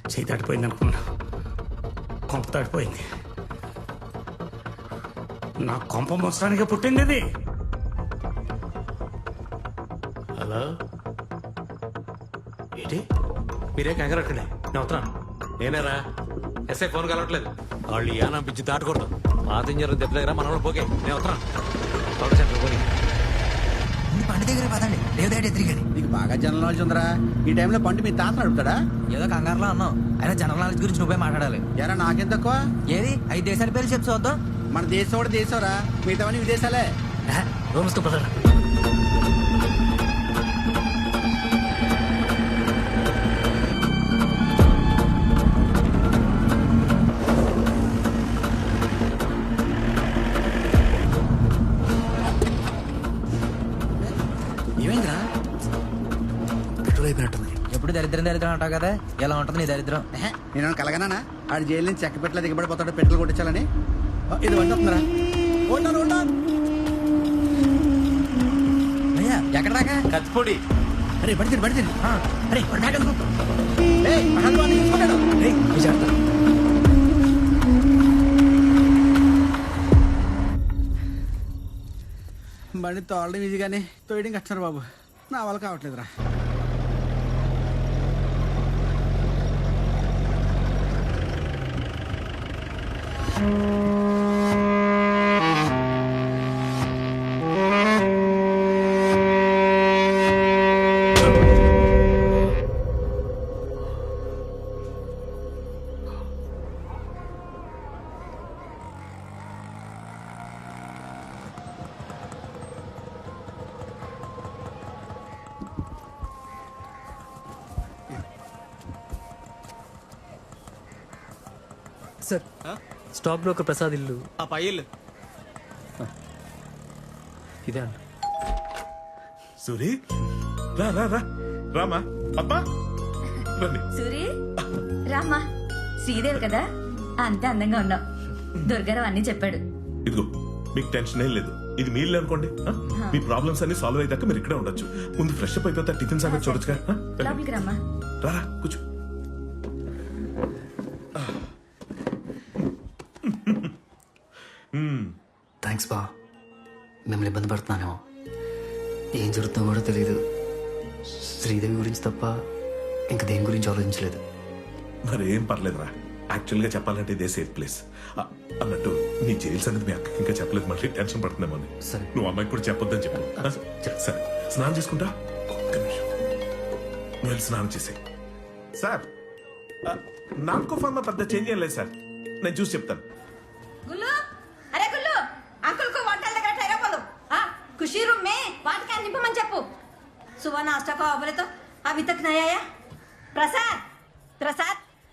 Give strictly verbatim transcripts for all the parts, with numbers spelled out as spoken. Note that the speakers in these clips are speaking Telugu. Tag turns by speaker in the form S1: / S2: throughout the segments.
S1: చేయి దాటిపోయింది అనుకున్నా, కొంప దాటిపోయింది. నా కొంప మోసడానికే పుట్టింది ఇది.
S2: హలో, ఏంటి మీరే కంగారట్టండి, నేను వస్తున్నాను. నేనేరా ఎస్ఐ ఫోన్ కలవట్లేదు. వాళ్ళు యానం పిచ్చి దాటకూడదు. పాతింజర్ దెబ్బ దగ్గర మనవాళ్ళు పోకే. నేను వస్తున్నాను. పోనీ
S3: పంట దగ్గర పదండి, లేదంటే తిరిగాని.
S4: నీకు బాగా జనరల్ నాలెడ్జ్ ఉందరా. ఈ టైంలో పండు మీ తాత నడుపుతాడా?
S3: ఏదో కంగారులో అన్నావు, అయినా జనరల్ నాలెడ్జ్ గురించి నువ్వే మాట్లాడాలి.
S4: ఎరా నాకేం తక్కువ?
S3: ఏది ఐదు దేశాల పేర్లు చెప్పు చూద్దాం.
S4: మన దేశం కూడా దేశంరా, మిగతావన్నీ విదేశాలే.
S3: రూమ్స్తో పదరా.
S4: ఏమైందిరా?
S3: పెట్రోల్ అయిపోయినట్టుంది. ఎప్పుడు దరిద్రం దరిద్రం అంటావు కదా, ఎలా ఉంటుంది నీ దరిద్రం?
S4: నేను కలగనానా ఆడు జైలు నుంచి చెక్క పెట్టలే దిగబడిపోతాడు పెట్రోల్ కొట్టించాలని. ఇది వంట వస్తుందిరా. ఉంటాను ఉంటాను.
S3: అయ్యా ఎక్కడ దాకా?
S2: కత్తిపొడి.
S4: అరే పడితే పడితే
S3: అరే పడినాక
S4: బండి తోలడం ఈజీగానే తోయడం కట్టారు బాబు. నా వల్ల కావట్లేదురా.
S5: సార్, స్టాక్ బ్రోకర్ ప్రసాద్ ఇల్లు
S2: ఆ పై ఇల్లు
S5: ఇదే అండి.
S6: సూరి రా రా రా రామా అబ్బా రండి.
S7: సూరి రామ్మా, శ్రీదేవి కదా, అంతే అందంగా ఉన్నావు. దుర్గారావు అన్ని చెప్పాడు.
S6: ఇదిగో మీకు టెన్షన్ ఏం లేదు, ఇది మీ ఇల్లు అనుకోండి. ఆ? మీ ప్రాబ్లమ్స్ అన్ని సాల్వ్ అయ్యాక మీరు ఇక్కడే ఉండొచ్చు. ముందు ఫ్రెష్ అప్ అయిపోతా టిఫిన్ సంగతి చూడొచ్చుగా. ఆ? రండి.
S7: లోపలికి రమ్మా.
S6: రా రా, కూర్చో.
S5: థ్యాంక్స్ బా, మిమ్మల్ని ఇబ్బంది పడుతున్నానేమో. ఏం జరుగుతుందో కూడా తెలియదు. శ్రీదేవి గురించి తప్ప ఇంక దేని గురించి ఆలోచించలేదు.
S6: మరి ఏం పర్లేదురా, యాక్చువల్ గా చెప్పాలంటే ఇదే సేఫ్ ప్లేస్. ఆ, అన్నట్టు నీ జైలు సంగతి మీ అక్కకి ఇంకా చెప్పలేదు, మళ్ళీ టెన్షన్ పడుతుందేమో అని.
S5: సరే.
S6: నువ్వు అమ్మాయికి కూడా చెప్పొద్దని చెప్పు. ఆ? సరే, స్నానం చేసుకుంటా. ఒక్క నిమిషం, నువ్వు వెళ్ళి స్నానం చేసే. సార్, ఆ, నాకో ఫార్మా పెద్ద చేంజ్ ఏం లేదు సార్, నేను చూసి చెప్తాను.
S7: గుల్లు, అరే గుల్లు, అంకుల్ కు వంటల దగ్గర టైర్ అవ్వదు. ఖుషీ రూమ్ మే వాటికి నింపమని చెప్పు. సువా नाश्ता को बोले तो अभी तक नहीं आया. प्रसाद प्रसाद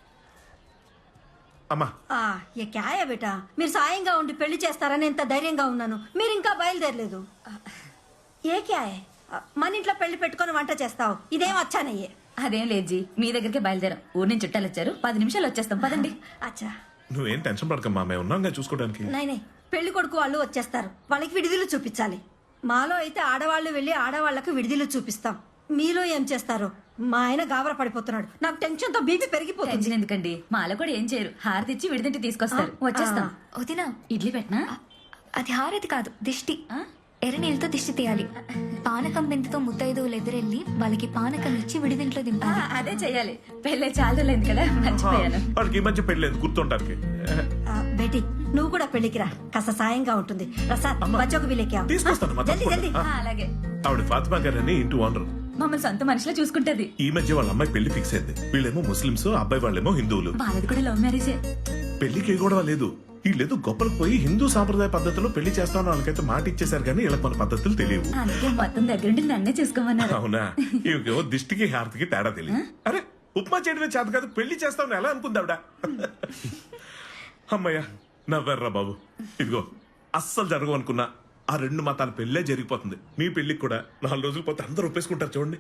S6: అమ్మా,
S7: ఆ ఏ క్యా है बेटा, మీరు సాయంగా ఉండి పెళ్లి చేస్తారని ఎంత ధైర్యంగా ఉన్నాను, మీరు ఇంకా బయలుదేరలేదు. ఏ క్యా है, మన ఇంట్లో పెళ్లి పెట్టుకొని వంట చేస్తావు, ఇదేం వచ్చానయ్యే.
S8: అదేం లేదు జీ, మీ దగ్గరికి బయలుదేరాం. ఊరి నుంచి చుట్టాలు వచ్చారు, పది నిమిషాలు వచ్చేస్తాం, పదండి.
S7: అచ్చా
S6: నువ్వేం టెన్షన్ పడకమ్మా, మేము ఉన్నాంగా చూసుకోవడానికి.
S7: నై నై, పెళ్లి కొడుకు వాళ్ళు వచ్చేస్తారు, వాళ్ళకి విడిదిలు చూపించాలి. మాలో అయితే ఆడవాళ్ళు వెళ్ళి ఆడవాళ్లకు విడిదిలు చూపిస్తాం. మీలో ఏం చేస్తారు? మా ఆయన గాబర పడిపోతున్నాడు, నాకు టెన్షన్ తో బీపీ పెరిగిపోతుంది.
S8: టెన్షన్ ఎందుకండి, మాలో కూడా ఏం చేయరు, హారతి ఇచ్చి విడిదింటి తీసుకొస్తారు. వచ్చేస్తాం.
S9: వదినా,
S8: ఇడ్లీ పెట్టనా?
S9: అది హారతి కాదు, దిష్టి. ఎర్ర నీళ్ళతో దిష్టి తీయాలి. పానకం బిందెతో ముత్తైదువులు ఎదురెళ్ళి వాళ్ళకి పానకం ఇచ్చి విడిదింట్లో
S8: ఆ,
S9: దింపాలి.
S8: అదే చెయ్యాలి. పెళ్ళే చాలా లేదు కదా, మర్చిపోయాను.
S6: వాళ్ళకి ఈ మధ్య పెళ్ళలేదు గుర్తుంటానికి.
S7: ఆ, బేటీ నువ్వు కూడా పెళ్లికి రా, కాస్త సాయంగా ఉంటుంది. ప్రసాద్ బచ్చోకు వీళ్ళకి
S6: తీసుకొస్తాను, మా
S7: జల్దీ
S6: తప్పకుండా.
S7: జల్దీ.
S6: ఆ.
S8: ఆ, అలాగే.
S6: ఆవిడ ఫాతిమా గారని ఇంటి ఓనర్.
S8: మమ్మల్ని సొంత మనిషిలో చూసుకుంటది.
S6: ఈ మధ్య వాళ్ళ అమ్మాయి పెళ్లి ఫిక్స్ అయింది. వీళ్ళేమో ముస్లింస్, అబ్బాయి వాళ్ళేమో హిందువులు.
S8: వాళ్ళది కూడా లవ్ మ్యారేజే.
S6: పెళ్లికి గొడవ లేదు, వీళ్ళేదో గొప్పలకు పోయి హిందూ సాంప్రదాయ పద్ధతిలో పెళ్లి చేస్తామని వాళ్ళకైతే మాట ఇచ్చేశారు, కానీ వీళ్ళకి మన పద్ధతులు తెలియవు.
S8: అందుకే మొత్తం దగ్గరుండి నన్నే చూసుకోమన్నారు.
S6: అవునా? ఇవికేమో దిష్టికి హారతికి తేడా తెలియదు. అరే ఉప్మా చేయడమే చేత కాదు, పెళ్లి చేస్తామని ఎలా అనుకుందావిడ? అమ్మయ్యా నవ్వర్రా బాబు. ఇదిగో అస్సలు జరగవు అనుకున్నా ఆ రెండు మతాల పెళ్ళే జరిగిపోతుంది. మీ పెళ్లికి కూడా నాలుగు రోజులు పోతే అందరూ ఒప్పేసుకుంటారు. చూడండి,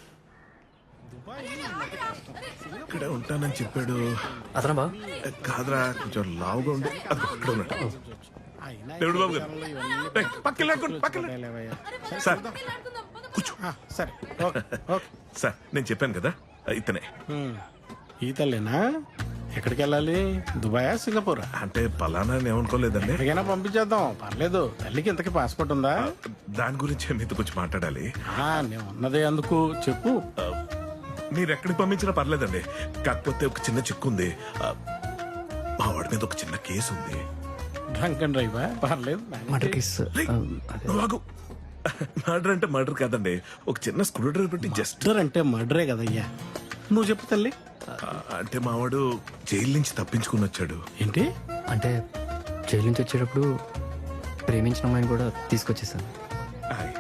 S6: ఇక్కడే ఉంటానని చెప్పాడు.
S5: అతను బా
S6: కాదురా, కొంచెం లావుగా ఉండి అది అక్కడ ఉన్నాడు. దేవుడు బాబు గారు, ఏయ్, పక్కకి లాక్కోండి, పక్కకి లాక్కోండి. సార్ కూర్చో.
S4: సరే
S6: సార్ నేను చెప్పాను కదా ఇతనే.
S10: ఈ తల్లేనా? ఎక్కడికి వెళ్ళాలి? దుబాయా, సింగపూరా?
S6: అంటే పలానా అని ఏమనుకోలేదండి.
S10: ఎక్కడికైనా పంపించేద్దాం, పర్లేదు. తల్లికి ఇంతకీ పాస్పోర్ట్ ఉందా?
S6: దాని గురించి మీతో కొంచెం మాట్లాడాలి.
S10: ఆ, నేను ఉన్నదే అందుకు చెప్పు.
S6: ఆ, మీరు ఎక్కడికి పంపించినా పర్లేదండి. కాకపోతే ఒక చిన్న చిక్కు ఉంది. ఆ, మా వాడి మీద ఒక చిన్న కేసు ఉంది.
S10: డ్రంక్ అండ్ డ్రైవా? పర్లేదు.
S5: Murder case.
S6: రేయ్, నువ్వు ఆగు. మర్డర్ అంటే మర్డర్ కాదండి. ఒక చిన్న స్క్రూ డ్రైవర్ పెట్టి జస్ట్
S10: మర్డర్ అంటే మర్డరే కదయ్యా. నువ్వు చెప్పు తల్లి.
S6: అంటే మావాడు జైలు నుంచి తప్పించుకుని వచ్చాడు.
S10: ఏంటి?
S5: అంటే జైలు నుంచి వచ్చేటప్పుడు ప్రేమించిన అమ్మాయిని కూడా తీసుకొచ్చేసాను.
S6: ఆయ్.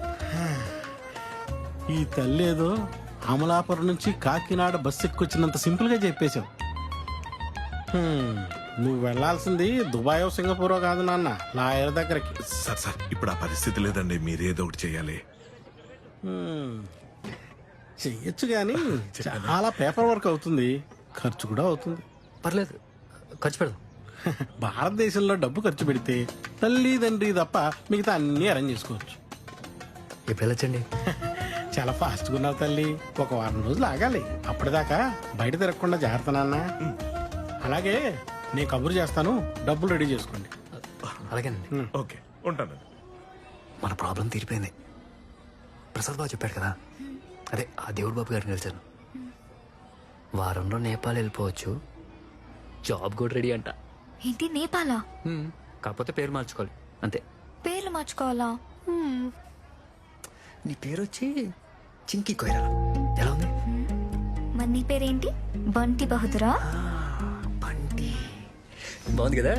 S10: ఈ తల్లి ఏదో అమలాపురం నుంచి కాకినాడ బస్సు ఎక్కొచ్చినంత సింపుల్ గా చెప్పేశావు. హ్మ్, నువ్వు వెళ్లాల్సింది దుబాయో సింగపూరో కాదు నాన్న, లాయర్ దగ్గరికి.
S6: సార్ సార్ ఇప్పుడు ఆ పరిస్థితి లేదండి. మీరేదో ఒకటి చేయాలి.
S10: హ్మ్, చెయ్యొచ్చు కానీ చాలా పేపర్ వర్క్ అవుతుంది, ఖర్చు కూడా అవుతుంది.
S5: పర్లేదు, ఖర్చు పెడదాం.
S10: భారతదేశంలో డబ్బు ఖర్చు పెడితే తల్లి తండ్రి తప్ప మిగతా అన్ని అరేంజ్ చేసుకోవచ్చు.
S5: ఇప్పుడు వెళ్ళొచ్చండి.
S10: చాలా ఫాస్ట్గా ఉన్నావు తల్లి. ఒక వారం రోజులు ఆగాలి. అప్పటిదాకా బయట తిరగకుండా జాగ్రత్త నాన్న. అలాగే నేను కబురు చేస్తాను, డబ్బులు రెడీ చేసుకోండి.
S5: అలాగేనండి.
S6: ఓకే, ఉంటాను.
S5: మన ప్రాబ్లం తీరిపోయింది. ప్రసాద్ బాబు చెప్పాడు కదా, అదే ఆ దేవుడు బాబు గారిని కలిసాను. వారంలో నేపాల్ వెళ్ళిపోవచ్చు, జాబ్ కూడా రెడీ అంట.
S9: ఏంటి నేపాలా?
S5: హ్మ్, కాకపోతే పేరు మార్చుకోవాలి అంతే.
S9: పేర్లు మార్చుకోవాలా? హ్మ్.
S5: నీ పేరు వచ్చి చింకి కొయిరా. ఎలా ఉంది?
S9: మరి నీ పేరేంటి? బంటి బహుదురా?
S5: బంటి బాగుంది కదా.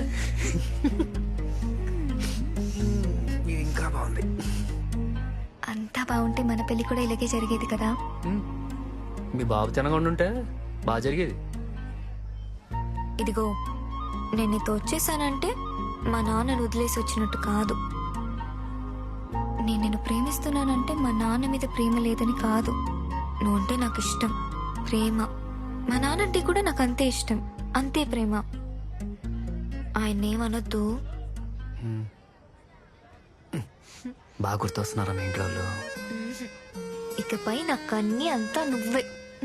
S5: ఇది ఇంకా బాగుంది.
S9: అంతా బాగుంటే మన పెళ్లి కూడా ఇలాగే జరిగేది కదా.
S5: హ్మ్, మీ బాబు తినగా ఉండుంటే బాగా జరిగేది.
S9: ఇదిగో, నేను నీతో వచ్చేసానంటే మా నాన్నను వదిలేసి వచ్చినట్టు కాదు. నేను నిన్ను ప్రేమిస్తున్నానంటే మా నాన్న మీద ప్రేమ లేదని కాదు. నువ్వంటే నాకు ఇష్టం, ప్రేమ. మా నాన్నంటే కూడా నాకు అంతే ఇష్టం, అంతే ప్రేమ. ఆయన్నేమనొద్దు.
S5: బాగా గుర్తొస్తున్నారా మీ ఇంట్లో వాళ్ళు?
S9: ఇకపై నాకు అన్ని అంతా నువ్వే.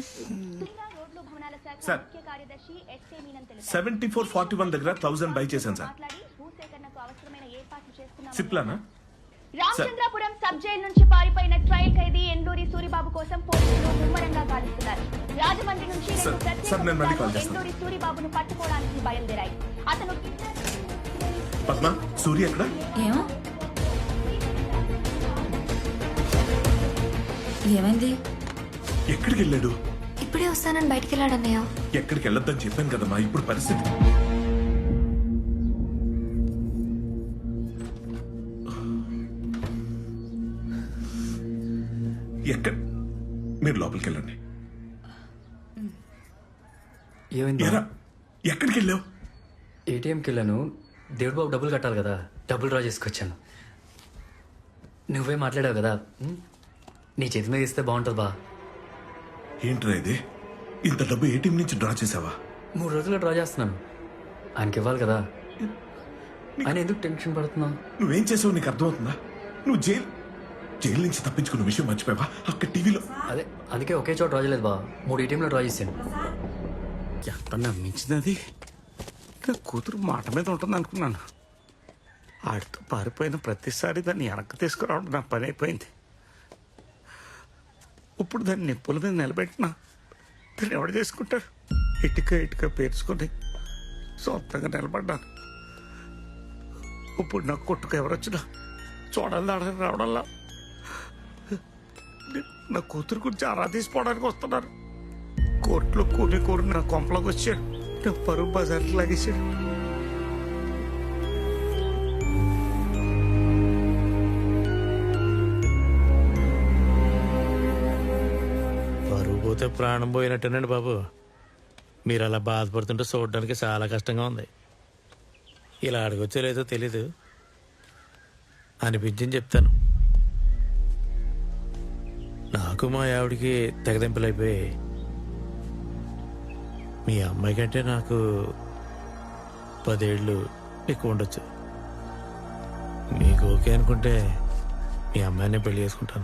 S6: Sir seventy four forty one దగ్గర థౌసండ్ బై చేశాను సార్. సిప్లానా?
S11: రామచంద్రాపురం సబ్ జైలు నుంచి పారిపోయిన ట్రయల్ ఖైదీ ఎండూరి సూరిబాబు కోసం పోలీసులు ముమ్మరంగా గాలిస్తున్నారు. రాజమండ్రి నుంచి రెండు ప్రత్యేక ఎండూరి సూరిబాబును పట్టుకోవడానికి బయలుదేరాయి. అతను
S6: పద్మ, సూర్య ఎక్కడ?
S8: ఏమో ఏమైంది?
S6: ఎక్కడికి వెళ్ళాడు?
S9: ఇప్పుడే వస్తానని బయటికి వెళ్ళాడన్నయ్య.
S6: ఎక్కడికి వెళ్ళొద్దని చెప్పాను కదమ్మా. ఇప్పుడు పరిస్థితి ఎక్కడ? మీరు లోపలికి వెళ్ళండి.
S5: ఏమైంది?
S6: ఎరా, ఎక్కడికి వెళ్ళావు?
S5: ఏటీఎంకి వెళ్ళాను. దేవుడు బాబు డబ్బులు కట్టాలి కదా, డబ్బులు డ్రా చేసుకొచ్చాను. నువ్వే మాట్లాడావు కదా, ఉం? నీ చేతి మీద ఇస్తే బాగుంటుంది బా.
S6: ఏంట్రా ఇది? ఇంత డబ్బు ఏటీఎం నుంచి డ్రా చేసావా?
S5: మూడు రోజుల్లో డ్రా చేస్తున్నాను. ఆయనకి ఇవ్వాలి కదా. ఆయన ఎందుకు టెన్షన్ పడుతున్నావు?
S6: నువ్వేం చేసావు నీకు అర్థమవుతుందా? నువ్వు జైలు జైలు నుంచి తప్పించుకున్న విషయం మర్చిపోయావా? అక్కడ టీవీలో
S5: అదే, అందుకే ఒకే చోట డ్రా చేయలేదు బా, మూడు ఏటీఎంలో డ్రా చేశాను.
S1: ఎంత నమ్మించినది. నా కూతురు మాట మీద ఉంటుంది అనుకున్నాను. ఆడితో పారిపోయిన ప్రతిసారి దాన్ని వెనక్కి తీసుకురావడం నా పని అయిపోయింది. ఇప్పుడు దాన్ని నిప్పుల మీద నిలబెట్టినా దాన్ని ఎవడు చేసుకుంటాడు? ఇటుక ఇటుక పేర్చుకొని సొంతంగా నిలబడ్డాను. ఇప్పుడు నా కొట్టుకు ఎవరొచ్చినా చూడాలి ఆడని రావడంలా నా కూతురు గురించి ఆరా తీసుకోవడానికి వస్తున్నారు. కోర్టులో కూని కూరి నా కొంపలోకి వచ్చాడు. నా పరువు బజార్కి లాగేశాడు.
S2: పరువు పోతే ప్రాణం పోయినట్టేనండి బాబు. మీరు అలా బాధపడుతుంటే చూడడానికి చాలా కష్టంగా ఉంది. ఇలా అడగొచ్చో లేదో తెలీదు, అనిపించింది చెప్తాను. నాకు మా ఆవిడికి తెగదెంపులైపోయి మీ అమ్మాయి కంటే నాకు పదేళ్ళు ఎక్కువ ఉండొచ్చు. మీకు ఓకే అనుకుంటే మీ అమ్మాయిని పెళ్లి చేసుకుంటాను.